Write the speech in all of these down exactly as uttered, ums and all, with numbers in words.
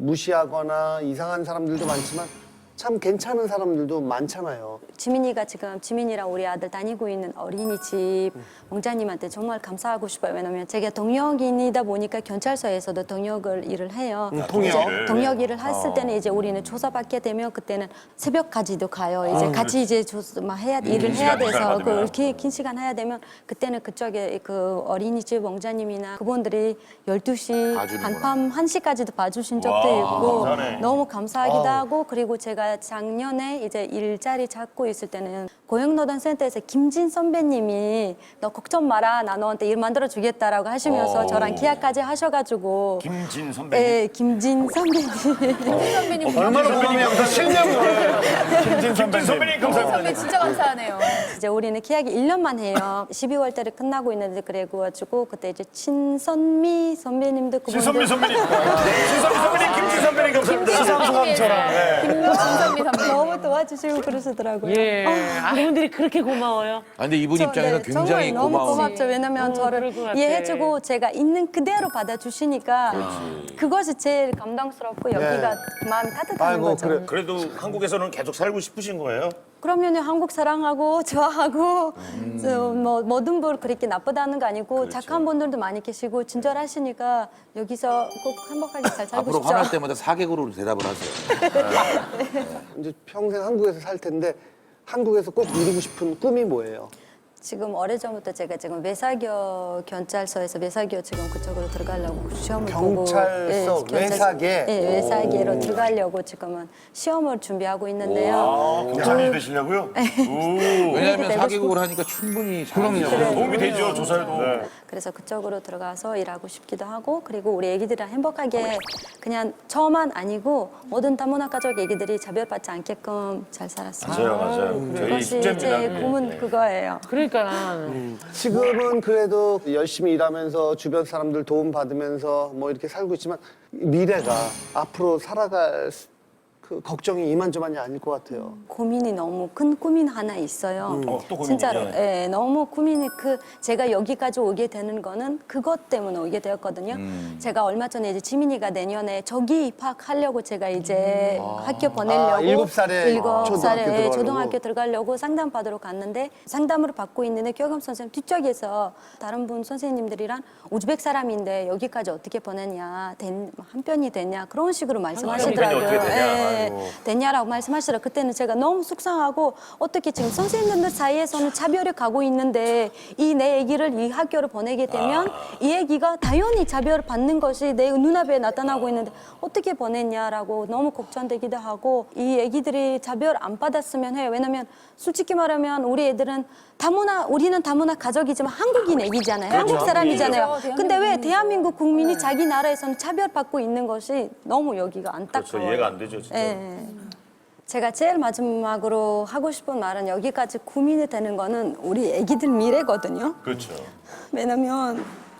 무시하거나 이상한 사람들도 많지만 참 괜찮은 사람들도 많잖아요. 지민이가 지금 지민이랑 우리 아들 다니고 있는 어린이집 원장님한테 정말 감사하고 싶어요. 왜냐면 제가 동역인이다 보니까 경찰서에서도 동역을 일을 해요. 음, 통역? 이제 동역 일을 했을 때는 이제 우리는 조사받게 되면 그때는 새벽까지도 가요. 이제 같이 이제 조사 막 해야 일을 해야 돼서 그 긴, 긴 시간 해야 되면 그때는 그쪽에 그 어린이집 원장님이나 그분들이 열두 시 한밤 한 시까지도 봐주신 적도 있고 감사하네. 너무 감사하기도 하고 그리고 제가 작년에 이제 일자리 찾고 있을 때는 고용노동센터에서 김진 선배님이 너 걱정 마라 나 너한테 일 만들어 주겠다라고 하시면서 저랑 계약까지 하셔가지고 김진 선배님. 예, 김진 선배님 선배님 얼마나 고마우냐면 실명을. 김진 선배님 감사합니다. 선배 진짜 감사하네요. 이제 우리는 계약이 일 년만 해요. 십이월 달에 끝나고 있는데 그래가지고 그때 이제 친선미 선배님도 그분도 신선미 선배님. 신선미 선배님, 김진 선배님 감사합니다. 시상소감처럼. 김선미 선배님. 너무 도와주시고 그러시더라고요. 예. 아, 그분들이 그렇게 고마워요. 아, 근데 이분 저, 입장에서 네, 굉장히 정말 너무 고마운. 고맙죠. 왜냐면 어, 저를 그럴 것 같아. 이해해주고 제가 있는 그대로 받아주시니까 그것이 제일 감동스럽고 여기가 마음이 따뜻한 아이고, 거죠. 그래. 그래도 한국에서는 계속 살고 싶으신 거예요? 그러면 한국 사랑하고 좋아하고 저 뭐, 모든 분 그렇게 나쁘다는 거 아니고 착한 분들도 많이 계시고 친절하시니까 여기서 꼭 행복하게 잘 살고 앞으로 싶죠. 화날 때마다 사개국으로 대답을 하세요. 이제 평생 한국에서 살 텐데 한국에서 꼭 이루고 싶은 꿈이 뭐예요? 지금 오래전부터 제가 지금 외사교 경찰서에서 외사교 지금 그쪽으로 들어가려고 시험을 보고 경찰서, 외사계? 네, 외사계로 들어가려고 지금은 시험을 준비하고 있는데요. 아, 경찰이 되시려고요? 오. 왜냐하면 내고 사개국을 하니까 충분히 그럼요. 도움이 되죠, 조사에도. 네. 그래서 그쪽으로 들어가서 일하고 싶기도 하고 그리고 우리 애기들이랑 행복하게 그냥 저만 아니고 모든 다문화 가족 애기들이 차별받지 않게끔 잘 살았어요. 맞아요, 맞아요. 저희 그것이 숙제입니다. 제 네. 꿈은 그거예요. 그러니까 지금은 그래도 열심히 일하면서 주변 사람들 도움 받으면서 뭐 이렇게 살고 있지만 미래가 앞으로 살아갈 수- 그 걱정이 이만저만이 아닐 것 같아요. 고민이 너무 큰 고민 하나 있어요. 어, 또 고민이요? 진짜로. 예, 너무 고민이 그 제가 여기까지 오게 되는 거는 그것 때문에 오게 되었거든요. 제가 얼마 전에 이제 지민이가 내년에 저기 입학하려고 제가 이제 학교 보내려고 아, 일곱 살에 일곱 초등학교 살에 들어가려고? 초등학교 들어가려고 상담 받으러 갔는데 상담을 받고 있는데 교감 선생님 뒤쪽에서 다른 분 선생님들이랑 우즈벡 사람인데 여기까지 어떻게 보냈냐, 된- 한 편이 됐냐 그런 식으로 말씀하시더라고요. 어떻게 되냐. 예. 아이고. 됐냐라고 말씀하시더라고요. 그때는 제가 너무 속상하고 어떻게 지금 선생님들 사이에서는 차별이 가고 있는데 이 내 애기를 이 학교를 보내게 되면 이 애기가 당연히 차별을 받는 것이 내 눈앞에 나타나고 있는데 어떻게 보냈냐라고 너무 걱정되기도 하고 이 애기들이 차별 안 받았으면 해요. 왜냐면 솔직히 말하면 우리 애들은 다문화 우리는 다문화 가족이지만 한국인 애기잖아요. 한국 사람이잖아요. 그렇죠. 근데 왜 대한민국 국민이 자기 나라에서는 차별받고 있는 것이 너무 여기가 안타까워요. 그렇죠, 이해가 안 되죠, 진짜. 예. 제가 제일 마지막으로 하고 싶은 말은 여기까지 고민이 되는 거는 우리 애기들 미래거든요. 그렇죠. 왜냐면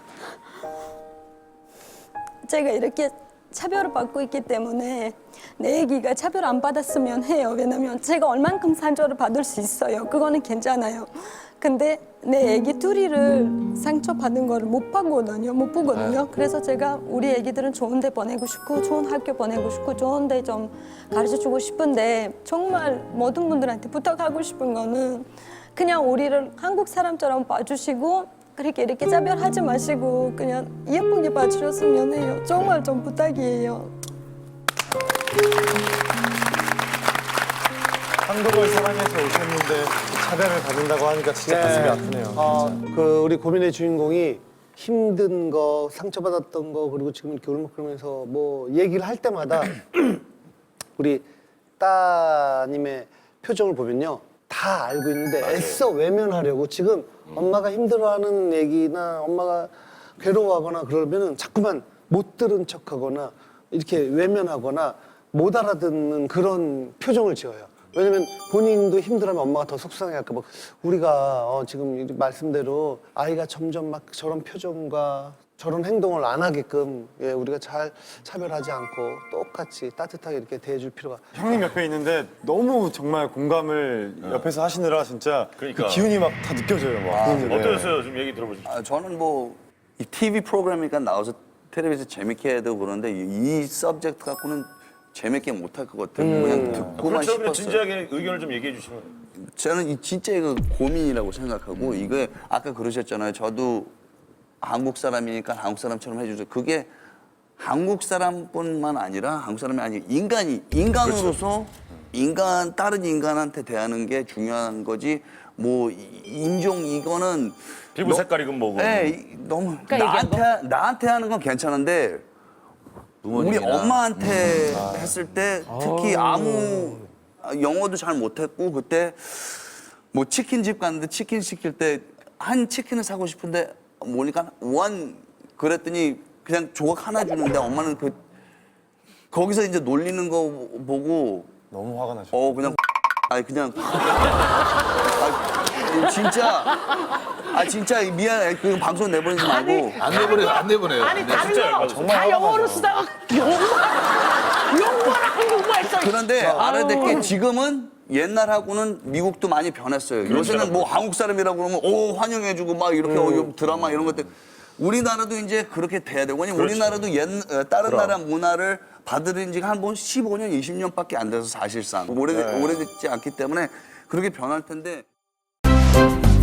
제가 이렇게 차별을 받고 있기 때문에 내 애기가 차별 안 받았으면 해요. 왜냐면 제가 얼만큼 상처를 받을 수 있어요. 그거는 괜찮아요. 근데 내 애기 둘이를 상처받은 거를 못 보거든요. 못 보거든요. 그래서 제가 우리 애기들은 좋은 데 보내고 싶고 좋은 학교 보내고 싶고 좋은 데 좀 가르쳐주고 싶은데 정말 모든 분들한테 부탁하고 싶은 거는 그냥 우리를 한국 사람처럼 봐주시고 그렇게 이렇게 차별하지 마시고 그냥 예쁘게 봐주셨으면 해요. 정말 좀 부탁이에요. 한국을 사랑해서 오셨는데 차별을 받는다고 하니까 진짜 가슴이 아프네요. 어, 그 우리 고민의 주인공이 힘든 거, 상처받았던 거 그리고 지금 이렇게 울먹거리면서 뭐 얘기를 할 때마다 우리 따님의 표정을 보면요. 다 알고 있는데 애써 외면하려고 지금 엄마가 힘들어하는 얘기나 엄마가 괴로워하거나 그러면은 자꾸만 못 들은 척하거나 이렇게 외면하거나 못 알아듣는 그런 표정을 지어요. 왜냐면 본인도 힘들어하면 엄마가 더 속상해할까 봐. 우리가 어 지금 이 말씀대로 아이가 점점 막 저런 표정과 저런 행동을 안 하게끔 예, 우리가 잘 차별하지 않고 똑같이 따뜻하게 이렇게 대해줄 필요가. 형님 옆에 있는데 너무 정말 공감을 옆에서 하시느라 진짜 그러니까. 그 기운이 막 다 느껴져요. 막. 네. 어떠셨어요? 좀 얘기 들어보시죠. 아, 저는 뭐 이 티비 프로그램이니까 나와서 텔레비전 재밌게 해도 그런데 이, 이 서브젝트 갖고는 재밌게 못할 것 같아요. 그냥 듣고만 그렇죠. 싶었어요. 진지하게 의견을 좀 얘기해 주시면. 저는 이 진짜 이거 고민이라고 생각하고 이게 아까 그러셨잖아요. 저도 한국 사람이니까 한국 사람처럼 해주죠. 그게 한국 사람뿐만 아니라 한국 사람이 아니라 인간이 인간으로서 인간 다른 인간한테 대하는 게 중요한 거지. 뭐 이- 인종 이거는 피부 너- 색깔이건 뭐건. 네, 이- 너무 얘기한 나한테 나한테 하는 건 괜찮은데 우리 부모님이나. 엄마한테 했을 때 특히 아무 영어도 잘 못했고 그때 뭐 치킨집 갔는데 치킨 시킬 때 한 치킨을 사고 싶은데 뭐니까 원 그랬더니 그냥 조각 하나 주는데 엄마는 그 거기서 이제 놀리는 거 보고 너무 화가 나죠. 어 그냥 아니 그냥 아 진짜 아 진짜 미안 그 방송 내보내지 말고 안 내보내요, 안 내보내요. 아니 네. 다른 거 다 영어로 쓰다가 영어만 영어만 한국말 써. 그런데 알아야 될 게 지금은 옛날하고는 미국도 많이 변했어요. 요새는 뭐 한국 사람이라고 그러면 오 환영해주고 막 이렇게 어, 드라마 이런 것들. 우리나라도 이제 그렇게 돼야 되고 왜냐면 우리나라도 옛 어, 다른 나라 문화를 받아들인 지가 한 번 십오 년, 이십 년밖에 안 돼서 사실상 오래 오래됐지 않기 때문에 그렇게 변할 텐데.